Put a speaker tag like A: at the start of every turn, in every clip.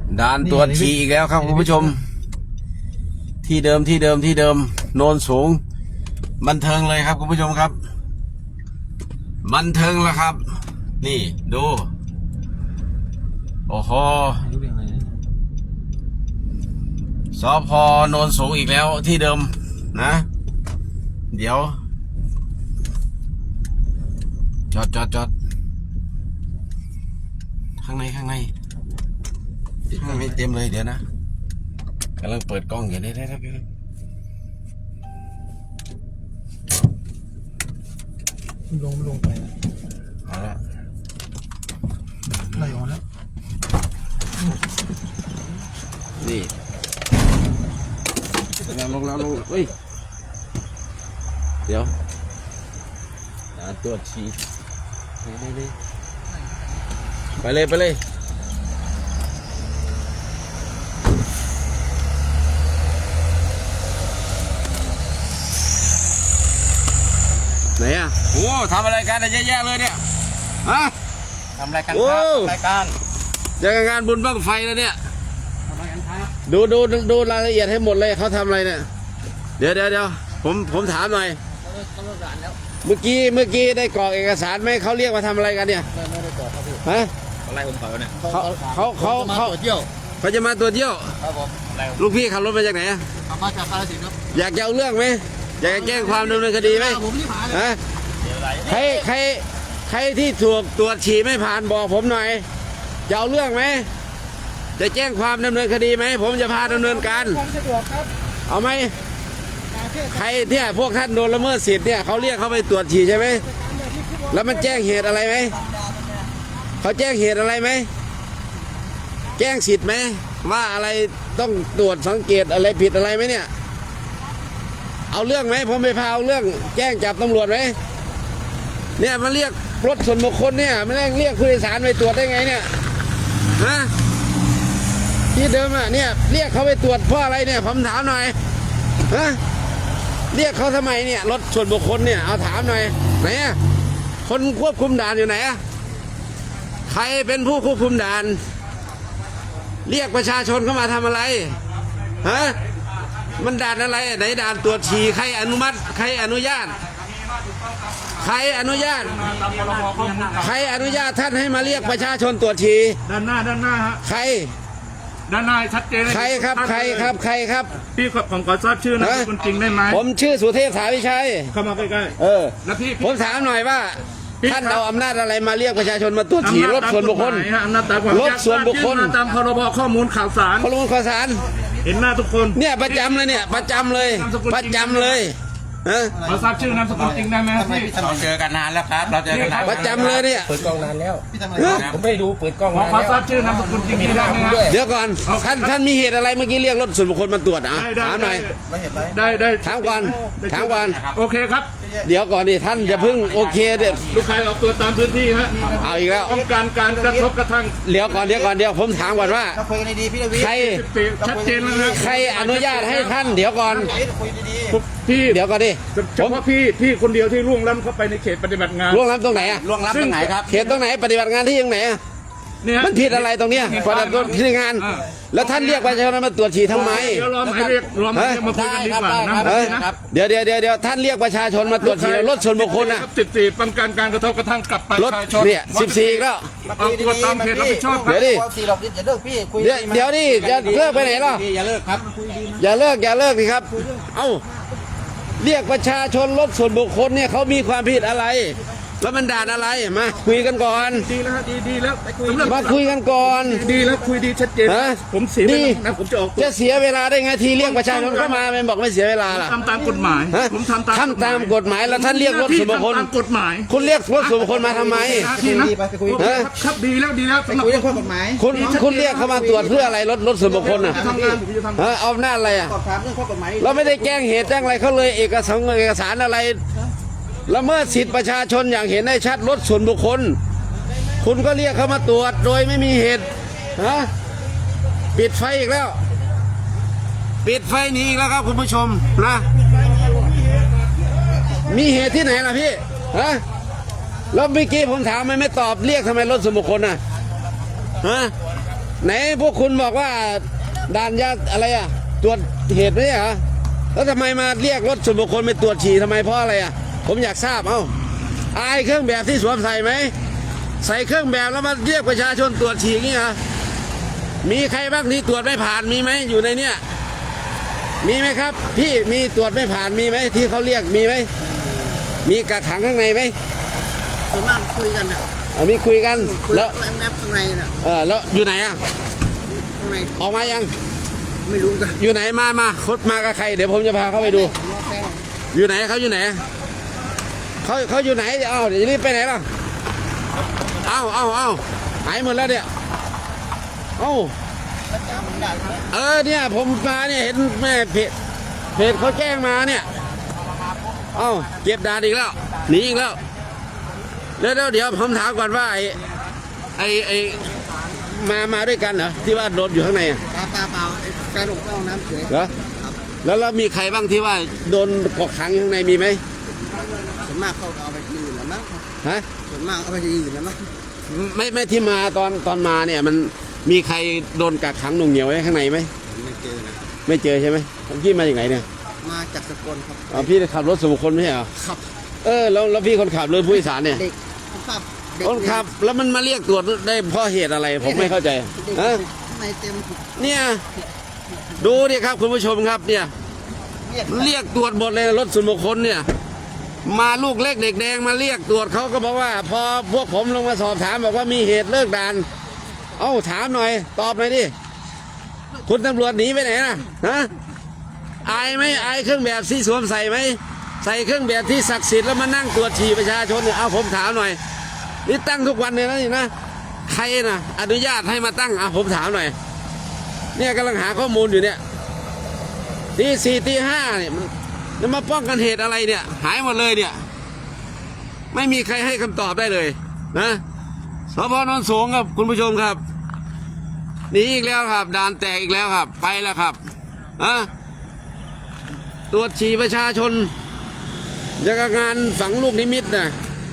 A: ด่านตรวจฉี่อีกแล้วครับคุณผู้ชมที่เดิมโนนสูงบันเทิงเลยครับคุณผู้ชมครับบันเทิงแล้วครับนี่ดูโอ้โหสพ.โนนสูงอีกแล้วที่เดิมนะเดี๋ยวจอดข้างในเต็มเลยเดี๋ยวนะกำลังเปิดกล้องอยู่ได้ครับพี่
B: ลงไป
A: เอาละ
B: ไหลออกแล้ว
A: นี่ลงเฮ้ยเดี๋ยวตรวจฉี่นี่ไปเลยไหนอ่ะโอ้ทำอะไรกันเยอะแยะเลยเนี่ยฮะ
B: ทำรายการครับรายการ
A: จะงานบุญบั้งไฟแล้วเนี่ย
B: ทำรายการครับ
A: ดูรายละเอียดให้หมดเลยเขาทำอะไรเนี่ยเดี๋ยวผมถามหน่อยเมื่อกี้ได้กรอกเอกสารไหมเขาเรียกมาทำอะไรกันเนี่ย
B: ไม่ได้กรอกครับพี่
A: ฮะ
B: อะไรผมเขาเนี่ย
A: เขา
B: เที่ยว
A: เขาจะมาตัวเที่ยว
B: ครับผม
A: ลูกพี่ขับรถมาจากไหนอะ
B: มาจากกาฬสินธุ์ครับ
A: อยากจะเอาเรื่องไหมอยากจะแจ้งความดำเนินคดีไหม
B: ผมไม่ผ่าน
A: ฮะใครที่ถูกตรวจฉี่ไม่ผ่านบอกผมหน่อยจะเอาเรื่องไหมจะแจ้งความดำเนินคดีไหมผมจะพาดำเนินการเอาไหมใครเนี่ยพวกท่านโดนละเมิดสิทธิ์เนี่ยเขาเรียกเขาไปตรวจฉี่ใช่ไหมแล้วมันแจ้งเหตุอะไรไหมเขาแจ้งเหตุอะไรไหมแจ้งสิทธิ์ไหมว่าอะไรต้องตรวจสังเกตอะไรผิดอะไรไหมเนี่ยเอาเรื่องไหมผมไปพาเอาเรื่องแจ้งจับตำรวจไหมเนี่ยมาเรียกรถส่วนบุคคลเนี่ยไม่ได้เรียกผู้โดยสารไปตรวจได้ไงเนี่ยฮะที่เดิมอ่ะเนี่ยเรียกเขาไปตรวจเพราะอะไรเนี่ยผมถามหน่อยฮะเรียกเขาทำไมเนี่ยรถส่วนบุคคลเนี่ยเอาถามหน่อยไหนอ่ะคนควบคุมด่านอยู่ไหนอ่ะใครเป็นผู้ควบคุมด่านเรียกประชาชนเข้ามาทำอะไรฮะมันด่านอะไรไหนด่านตรวจฉี่ใครอนุมัติใครอนุญาตใครอนุญาตท่านให้มาเรียกประชาชนตรวจฉี่
B: ด้านหน้าฮะ
A: ใคร
B: ด้านหน้าชัดเจน
A: ใครครับ
B: พี่ผมขอทราบชื่อนามสกุลจริงได้ไหม
A: ผมชื่อสุเทพสาวิชัย
B: เข้ามาใกล้
A: ๆแล้วพี่ผมถามหน่อยว่าท่านเอาอำนาจอะไรมาเรียกประชาชนมาตรวจฉี่รถส่วนบุคคลรถส่วนบุคคล
B: ตามพรบข้อมูลข่าวสารเห็นหน้าทุกคน
A: เนี่ยประจำเลย
B: ขอทราบชื่อนามสกุลจริงได้ไหมพี่
C: เราเจอกันนานแล้วครับเราเจอกันนาน
A: ประจำเลยเนี่ย
C: เปิดกล้องนานแล้วผมไม่ได้ดูเปิดกล้อง
B: ขอทราบชื่อนามสกุลจริงได้ไหม
A: เดี๋ยวก่อนท่านมีเหตุอะไรเมื่อกี้เรียกรถส่วนบุคคลมาตรวจถามหน่อย
B: ได้
A: ถามก่อน
B: โอเคครับ
A: เดี๋ยวก่อนดิท่านอย่าเพิ่งโอเคเด็ด
B: ลูกใครออกตัวตามพื้นที่ฮะ
A: เอาอีกแล้ว
B: ต้องการกระทบกระทั่ง
A: เดี๋ยวก่อนผมถามก่อนว่าใคร
B: ชัดเจนแล้วนะ
A: ใครอนุญาตให้ท่านเดี๋ยวก่อน
B: พี่
A: เดี๋ยวก่อนดิ
B: เฉพาะพี่คนเดียวที่ล่วงล้ำเข้าไปในเขตปฏิบัติงาน
A: ล่วงล้ำตรงไหนอะ
C: ล่วงล้ำตรงไหนครับ
A: เขตตรงไหนปฏิบัติงานที่ยังไหนมันผิดอะไรตรงเนี้ยปฏิบัติที่งานแล้วท่านเรียกประชาชนมาตรวจฉี่ทำไม
B: เดี๋ยวรอมาเรียกมาคุยกันดีกว่า
A: นะเดี๋ยวท่านเรียกประชาชนมาตรวจฉี่รถส่วนบุคคลนะ
B: 14ป้องกันการกระทบกระทั่งกับประชาชน
A: เนี่ย14แล้ว
B: เอาตัวตามเขตรับผิดชอบ
A: เดี๋ยวดิเดี๋ยวดิจะเลิกไปไหนล่ะ
C: อย่าเลิกครับ
A: อย่าเลิกดิครับเอ้าเรียกประชาชนรถส่วนบุคคลเนี่ยเขามีความผิดอะไรแล้วมันด่านอะไรมาคุยกันก่อน
B: ดีแล้วดีแล้ว
A: มาคุยกันก่อน
B: ดีแล้วคุยดีชัดเจนผมเสียเวลานะผม
A: จะเสียเวลาได้ไงทีเรียกประชาชนเข้ามาไม่บอกไม่เสียเวลาล่ะ
B: ทำตามกฎหมายผมทำตาม
A: กฎหมายแล้วท่านเรียกรถส่วนบุคคล
B: กฎหมาย
A: คุณเรียกรถส่วนบุคคลมาทำไม
B: ครับดีแล้ว
C: สำหรับเรื่องข้อกฎหมาย
A: คุณเรียกเข้ามาตรวจเพื่ออะไรรถส่วนบุคคลน่ะเอาหน้าอะไรอ่ะเราไม่ได้แจ้งเหตุแจ้งอะไรเขาเลยเอกสารอะไรละเมิดสิทธิประชาชนอย่างเห็นได้ชัดรถส่วนบุคคลคุณก็เรียกเขามาตรวจโดยไม่มีเหตุปิดไฟอีกแล้วปิดไฟนี้อีกแล้วครับคุณผู้ชมนะมีเหตุที่ไหนล่ะพี่แล้วเมื่อกี้ผมถามไม่ตอบเรียกทำไมรถส่วนบุคคลไหนพวกคุณบอกว่าด่านยาอะไรอ่ะตรวจเหตุไม่ใช่เหรอแล้วทำไมมาเรียกรถส่วนบุคคลไปตรวจฉี่ทำไมเพราะอะไรอ่ะผมอยากทราบอายเครื่องแบบที่สวมใส่ไหมใส่เครื่องแบบแล้วมาเรียกประชาชนตรวจฉี่งี้เหรอมีใครบ้างที่ตรวจไม่ผ่านมีไหมอยู่ในเนี้ยมีไหมครับพี่มีตรวจไม่ผ่านมีไหมที่เขาเรียกมีไหมมีกระถางข้างในไหม
D: ส่วนมากคุยกันนะ
A: มีคุยกัน
D: คุย
A: แล้ว
D: แอปข้างในน่ะ
A: แล้วอยู่ไหนอ่ะ
D: ข้างใน
A: ออกมายัง
D: ไม่รู้กัน
A: อยู่ไหนมาคดมากับใครเดี๋ยวผมจะพาเขาไปดู
D: รอแป้ง
A: อยู่ไหนเขาอยู่ไหนเขาอยู่ไหนเดี๋ยวรีบไปไหนล่ะเอ้าหายหมดแล้วเนี่ยเนี่ยผมมาเนี่ยเห็นแม่เพจเขาแจ้งมาเนี่ยเก็บดานอีกแล้วหนีอีกแล้วแล้วเดี๋ยวผมถามก่อนว่าไอ้มาด้วยกันเหรอที่ว่าโดนอยู่ข้างในอะ
D: เปล่าแฟนผมเข้าห้องน้ำเฉย
A: เหรอแล้วมีใครบ้างที่ว่าโดนกดขังอยู่ข้างในมีไหม
D: ส่วนมากเขาเอาไปที่อื่นแล้วมั้ง
A: ฮะ
D: ส่วนมากเอาไปที่อื่นแล้วมั้ง
A: ไม่ที่มาตอนมาเนี่ยมันมีใครโดนกักขังหน่วงเหนียวไว้ข้างในไหม
D: ไม่เจอนะ
A: ไม่เจอใช่ไหมพี่มาจากไหนเนี่ย
D: มาจากสกลครับ
A: พี่ขับรถส่วนบุคคลไม่ใช่เหรอ
D: ขับ
A: แล้วพี่คนขับหรือผู้โดยสารเนี่ย
D: เด็กขับเด็ก
A: คนขับแล้วมันมาเรียกตรวจได้เพราะเหตุอะไรผมไม่เข้าใจ
D: เด็ก
A: ฮะ
D: ข้างในเต็ม
A: เนี่ยดูดิครับคุณผู้ชมครับเนี่ยเรียกตรวจหมดเลยรถส่วนบุคคลเนี่ยมาลูกเล็กเด็กแดงมาเรียกตรวจเขาก็บอกว่า พอพวกผมลงมาสอบถามบอกว่ามีเหตุเลิกด่านถามหน่อยตอบหน่อยดิคุณตำรวจหนีไปไหนนะฮะอายไหมอายเครื่องแบบที่สวมใส่ไหมใส่เครื่องแบบที่ศักดิ์สิทธิ์แล้วมานั่งตรวจฉี่ประชาชนเนี่ยผมถามหน่อยนี่ตั้งทุกวันเลยนะนี่นะใครนะอนุญาตให้มาตั้งผมถามหน่อยเนี่ยกำลังหาข้อมูลอยู่เนี่ยตี 4ตี 5เนี่ยมันมาป้องกันเหตุอะไรเนี่ยหายหมดเลยเนี่ยไม่มีใครให้คำตอบได้เลยนะสพนนสูงครับคุณผู้ชมครับหนีอีกแล้วครับด่านแตกอีกแล้วครับไปแล้วครับตรวจฉี่ประชาชนยังกับงานฝังลูกนิมิตนะ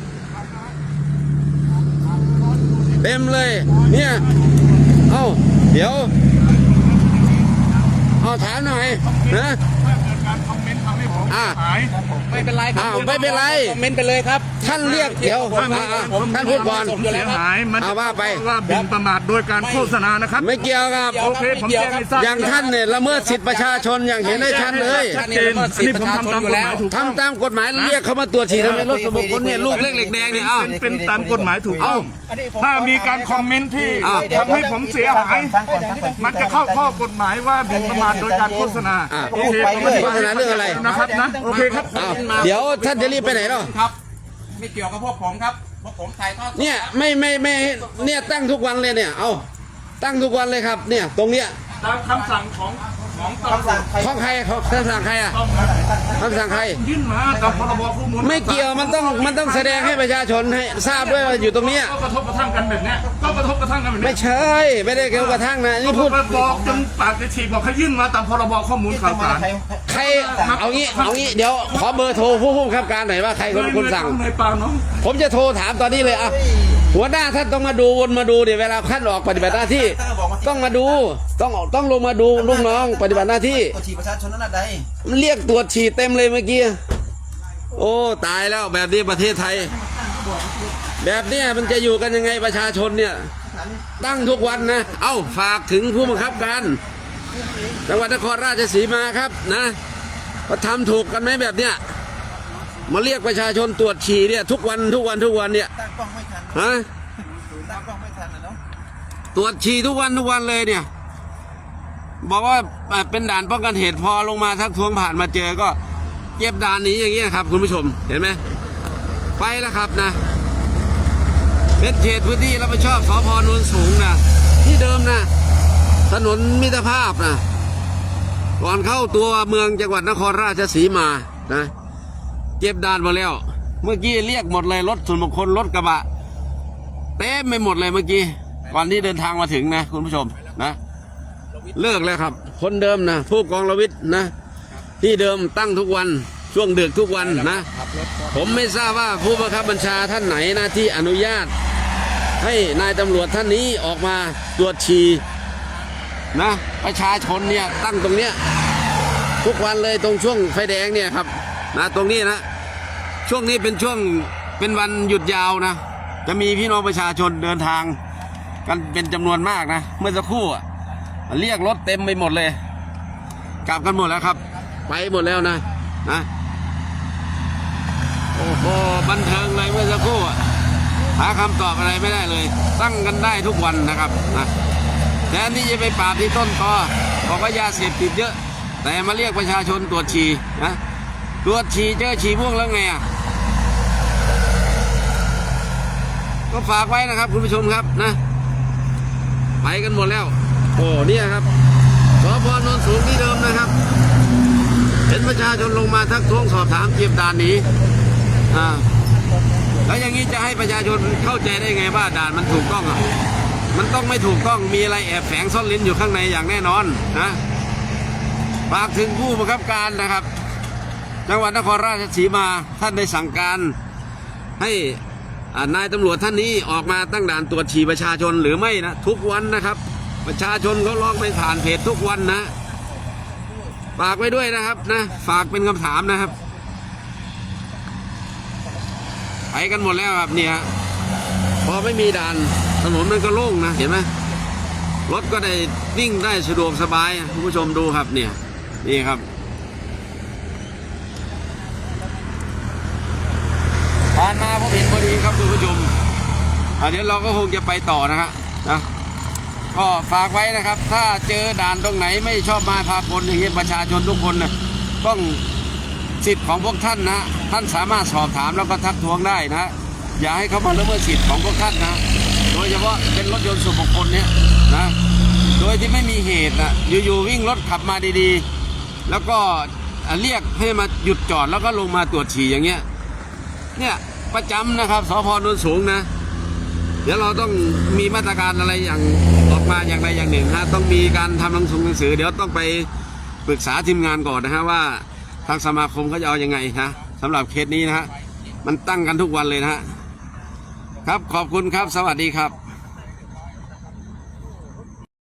A: เต็มเลยเนี่ยเดี๋ยวถามหน่อยนะ
C: ไม่เป็นไรครับ
A: ไม่เป็นไร
C: คอมเมนต์ไปเลยครับ
A: ท่านเรียกเดี๋ยวท่านพูดก่อน
B: ผมเสียหายมัน
A: ว่าไป
B: ว่าบินประมาทโดยการโฆษณานะครับ
A: ไม่เกี่ยวครับ
B: โอเคผมแจ้งให้ทราบ
A: อย่างท่านเนี่ยละเมิดสิทธิประชาชนอย่างเห็นได้ชัดเลย
B: ชัดเจนอันนี้ผมทำตามกฎหมายถูกต้อง
A: ทำตามกฎหมายเรียกเขามาตรวจฉี่ทำไมรถส่วนบุคคลเนี่ยลูกเล็กเหล็กแดงเนี่ย
B: เป็นตามกฎหมายถูกต้องถ้ามีการคอมเมนต์ที่ทำให้ผมเสียหายมันจะเข้าข้อกฎหมายว่าบินประมาทโดยการโฆษณาโอเคผม
A: โฆษณาเรื่องอะไร
B: นะครับนะโอเคครับ
A: เดี๋ยวท่านจะรีบไปไหนหรอ
C: ครับ ไม่เกี่ยวกับพวกผมครับพวกผมถ่ายทอดสด
A: เนี่ยไม่เนี่ยตั้งทุกวันเลยเนี่ยตั้งทุกวันเลยครับเนี่ยตรงเนี้ย
B: ตามคำสั่งของตำรวจ
A: ของใครคำสั่งใครคำสั่งใคร
B: ยื่นมากับพรบข้อมูล
A: ไม่เกี่ยวมันต้องแสดงให้ประชาชนให้ทราบด้วยว่าอยู่ตรงเนี้ย
B: ก็กระทบกระทั่งกันแบบเนี้ยก็กระทบกระทั่งกันแบบ
A: ไม่
B: เนี้ย
A: ใช่ไม่ได้เกี่ยวกระทั่งนะนี่พูด
B: บอกจนปากจะฉีกบอกให้ยื่นมาตามพรบข้อมูลข่าวสาร
A: ใครเอางี้เดี๋ยวขอเบอร์โทรผู้บังคับการหน่อยว่าใครคนสั่ง
B: ในปากน้อง
A: ผมจะโทรถามตอนนี้เลยหัวหน้าท่านต้องมาดูวนมาดูเดี๋ยวเวลาท่านออกปฏิบัติหน้าที่ต้องมาดูต้องลงมาดูลูกน้องปฏิบัติหน้าที่
D: ตรวจฉี่ประชาชนนั่นน่ะใด
A: มันเรียกตรวจฉี่เต็มเลยเมื่อกี้โอ้ตายแล้วแบบนี้ประเทศไทย แบบเนี้ยมันจะอยู่กันยังไงประชาชนเนี่ยตั้งทุกวันนะฝากถึงผู้บังคับการจังหวัดนครราชสีมาครับนะว่าทำถูกกันไหมแบบเนี้ยมาเรียกประชาชนตรวจฉี่เนี่ยทุกวันเนี่ย
D: ตั้งกล้องไม่ทัน
A: ฮะ
D: ตั้งกล้องไม่ทันนะเนาะ
A: ตรวจฉี่ทุกวันเลยเนี่ยบอกว่าเป็นด่านป้องกันเหตุพอลงมาทักท้วงผ่านมาเจอก็เก็บด่านนี้อย่างเงี้ยครับคุณผู้ชมเห็นไหมไปแล้วครับนะเป็นเขตพื้นที่รับผิดชอบสพนนสูงนะที่เดิมนะถนนมิตรภาพนะก่อนเข้าตัวเมืองจังหวัดนครราชสีมานะเก็บด่านมาแล้ว เมื่อกี้เรียกหมดเลยรถส่วนบุคคลรถกระบะเต็มไปหมดเลยเมื่อกี้ก่อนที่เดินทางมาถึงนะคุณผู้ชมนะเลิกแล้วครับคนเดิมนะผู้กองรวิทย์นะที่เดิมตั้งทุกวันช่วงดึกทุกวันนะผมไม่ทราบว่าผู้บังคับบัญชาท่านไหนนะที่อนุญาตให้นายตำรวจท่านนี้ออกมาตรวจฉี่นะประชาชนเนี่ยตั้งตรงเนี้ยทุกวันเลยตรงช่วงไฟแดงเนี่ยครับนะตรงนี้นะช่วงนี้เป็นวันหยุดยาวนะจะมีพี่น้องประชาชนเดินทางกันเป็นจำนวนมากนะเมื่อสักครู่เรียกรถเต็มไปหมดเลยกลับกันหมดแล้วครับไปหมดแล้วนะโอ้โหบันเทิงเลยเมื่อสักครู่หาคำตอบอะไรไม่ได้เลยตั้งกันได้ทุกวันนะครับนะแทนที่จะไปปราบที่ต้นตอบอกว่ายาเสพติดเยอะแต่มาเรียกประชาชนตรวจฉี่นะตรวจฉี่เจอฉี่ม่วงแล้วไงก็ฝากไว้นะครับคุณผู้ชมครับนะไปกันหมดแล้วโอ้เนี่ยครับสพ.โนนสูงที่เดิมนะครับเห็นประชาชนลงมาทักท้วงสอบถามเก็บด่านหนีแล้วอย่างนี้จะให้ประชาชนเข้าใจได้ไงว่าด่านมันถูกต้องมันต้องไม่ถูกต้องมีอะไรแอบแฝงซ่อนลิ้นอยู่ข้างในอย่างแน่นอนนะฝากถึงผู้บังคับการนะครับจังหวัดนครราชสีมาท่านได้สั่งการให้นายตำรวจท่านนี้ออกมาตั้งด่านตรวจฉี่ประชาชนหรือไม่นะทุกวันนะครับประชาชนเขาร้องไปผ่านเพจทุกวันนะฝากไว้ด้วยนะครับนะฝากเป็นคำถามนะครับไปกันหมดแล้วครับเนี่ยพอไม่มีด่านถนนมันก็โล่งนะเห็นไหมรถก็ได้วิ่งได้สะดวกสบายคุณผู้ชมดูครับเนี่ยนี่ครับผ่านมาผมเห็นพอดีครับคุณผู้ชมเดี๋ยวเราก็คงจะไปต่อนะก็ฝากไว้นะครับถ้าเจอด่านตรงไหนไม่ชอบมาพากลอย่างนี้ประชาชนทุกคนนะต้องสิทธิ์ของพวกท่านนะท่านสามารถสอบถามแล้วก็ทักท้วงได้นะอย่าให้เขามาละเมิดสิทธิ์ของพวกท่านนะโดยเฉพาะเป็นรถยนต์ส่วนบุคคลเนี่ยนะโดยที่ไม่มีเหตุนะอยู่ๆวิ่งรถขับมาดีๆแล้วก็เรียกให้มาหยุดจอดแล้วก็ลงมาตรวจฉี่อย่างเงี้ยเนี่ยประจำนะครับสพ.โนนสูงนะเดี๋ยวเราต้องมีมาตรการอะไรอย่างออกมาอย่างใดอย่างหนึ่งต้องมีการทำหนังสือเดี๋ยวต้องไปปรึกษาทีมงานก่อนนะว่าทางสมาคมเขาจะเอายังไงนะสำหรับเคสนี้มันตั้งกันทุกวันเลยครับขอบคุณครับสวัสดีครับ